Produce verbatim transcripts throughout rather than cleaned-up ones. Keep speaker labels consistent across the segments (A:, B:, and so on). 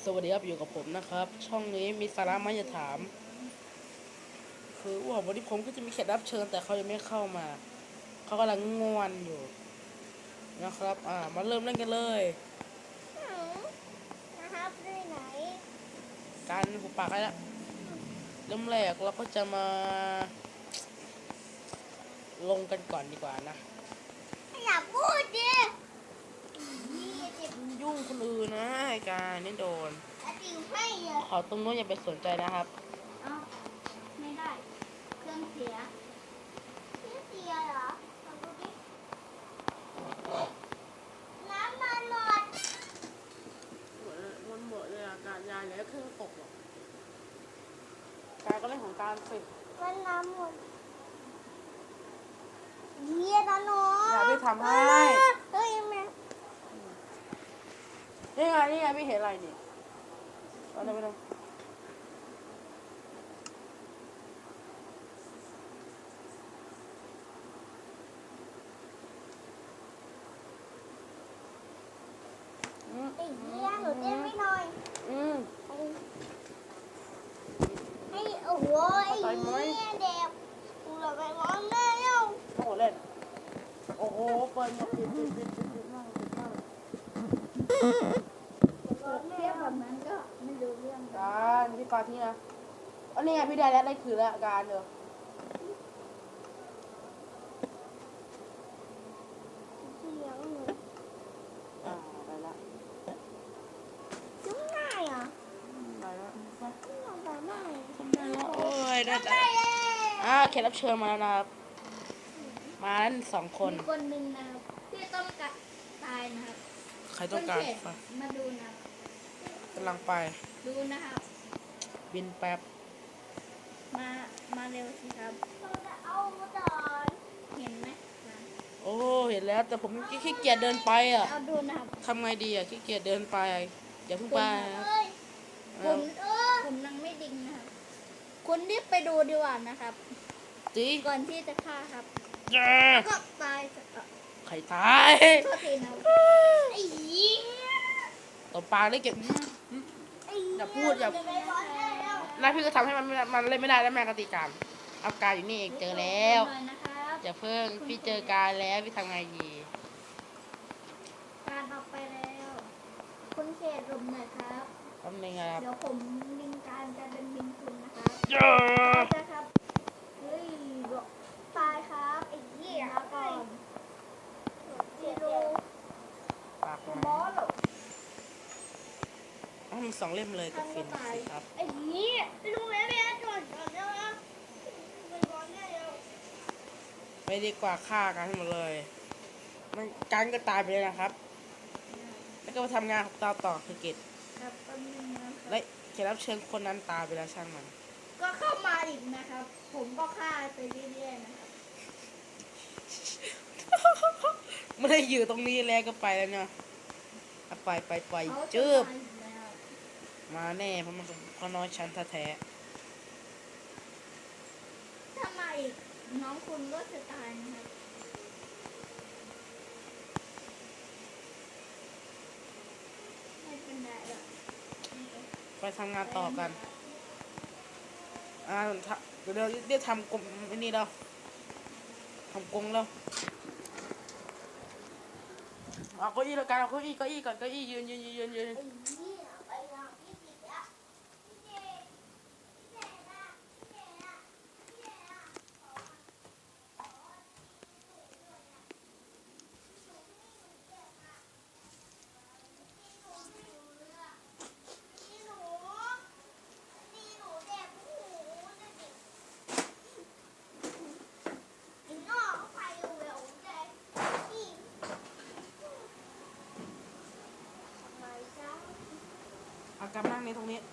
A: สวัสดีครับอยู่กับผมนะครับช่องนี้มีสาระมาจะถามคือว่าวันนี้ผมก็จะมีแขกรับเชิญแต่เขายังไม่เข้ามาเขากำลังง่วนอยู่นะครับอ่ามาเริ่มเล่นกันเลย
B: นะครับด้วยไหน
A: การหุบปากให้ละเริ่มแรกเราก็จะมาลงกันก่อนดีกว่านะ
B: อย่าพูดดิ
A: ยุ่งคนอื่นนะไอ้การนี่โดน
B: ติวให้เยอะ
A: ขอตรงนู้นอย่าไปสนใจนะครับ
B: เอ้าไม่ได้เครื่องเสียเครื่องเสียเหรอลองดูดิน้ำมันหมด
A: มันหมดเลยอาการยาแล้วเครื่องตกหรอกการก็เล่นของการสิ
B: มันน้ำหมดเยี่ยนะน้อง
A: อย่าไปทำให้
B: เฮ้ยแม่
A: นี่ไงนี่ไงไม่เห็นอะไรนี่เอาไปเลย
B: ไอ้เยี่ยหนูเต้นไม่หน่อย
A: อืม
B: ให้โอ้โหไอ้เยี่ยเด็กกูจะไปร้องได้แล้ว
A: โอ้เล่นโอ้โหเปิดมาปิดปิดปิดปิดปิดมากปิดมาก
B: เทียบแบบนั้นก็ไม่รู้เรื่อง
A: การพี่ปาที่นะอันนี้ไงพี่ได้แล้วได้คือแล้วการเด้ออ่าได้ละ
B: จุ๊บง่ายอ่ะ
A: ได้ละ
B: จุ๊บแบบง่าย
A: ทำได้แล้วโอ้ยได้แต่อ่าแขกรับเชิญมาแล้วนะครับมาแล้วสองคน
B: คนหนึ่งนะครับที่ต้องการตายนะครับ
A: ใครต้องการ
B: มาดูนะ
A: กำลังไป
B: ดูนะครับ
A: บินแป๊บ
B: มามาเร็วสิครับเราจะเอาดอนเห็นไหม
A: โอ้เห็นแล้วแต่ผมขี้เกียจเดินไปอ่ะ
B: เอาดูนะครับ
A: ทำไงดีอ่ะขี้เกียจเดินไปอย่าเพิ่งไป
B: ผมผมนั่งไม่ดิ่งนะครับคุณรีบไปดูดีกว่านะครับ
A: จี
B: ก่อนที่จะฆ่าครับก็ตาย
A: ใครตาย
B: โทษทีนะไอ้ยิง
A: ตบปากได้เก็บอย่าพูดอย่าแล้วพี่ก็ทำให้มันมันเล่นไม่ได้แล้วแม่กติกาเอาการอยู่นี่เองเจอแล้วอย่าเพิ่งพี่เจอการแล้วพี่ทำไงดี
B: การออกไปแล้วคุณเขตลมหน่อยครับ
A: แป๊บนึงครับ
B: เดี๋ยวผมลิงการจะเป็นบินคุณนะครับครับเฮ้ยตายครับไอ้เหี้ยก่อนจีโร่
A: ปากมาต้องมีสองเล่มเลยกับฟินสิครับ
B: ไอ้เหี้ยดูแม่แม่ก่อนก่อนแล้วนะ
A: ไปดีกว่าฆ่ากันให้หมดเลยมันการก็ตายไปเลยนะครับแล้วก็มาทำงานต่อต่อคือเกตและแขกรับเชิญคนนั้นตายไปแล้วช่างมัน
B: ก็เข้ามาอีกนะครับผมก็ฆ่าไปเรื่อยๆนะครับ
A: ไม่ได้อยู่ตรงนี้แล้วก็ไปแล้วเนาะไปไปไปจืบมาแน่เพราะมันเพราะน้อยชั้นแท้
B: ถ้ามาอีกน้องคุณก็จะตายนะครับไม่เป็นไรหรอก
A: ไปทำงานต่อกันอ่าเดี๋ยวเดี๋ยวทำกลมนี่แล้วทำกงแล้วเอาเก้าอี้แล้วกันเอาเก้าอี้เก้าอี้ก่อนเก้าอี้ยืนยืนยืนยืนเอากำนั่งในตรงนี้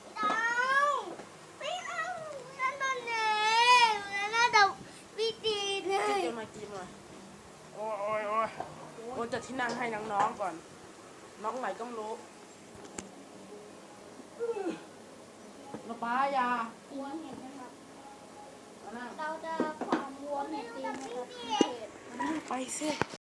B: ไม่เอานั่นมันเองนั่นน่ะวิธีเลย
A: กินมากินมาโอ้ยโอ้ยโอ้ยโอ้ยจัดที่นั่งให้น้องๆก่อนน้องไหนก็ไม่รู้มาป้ายา
B: วัวเห็ดนะครับเราจะความวัวเห็ดตีนะครับ
A: ไปสิ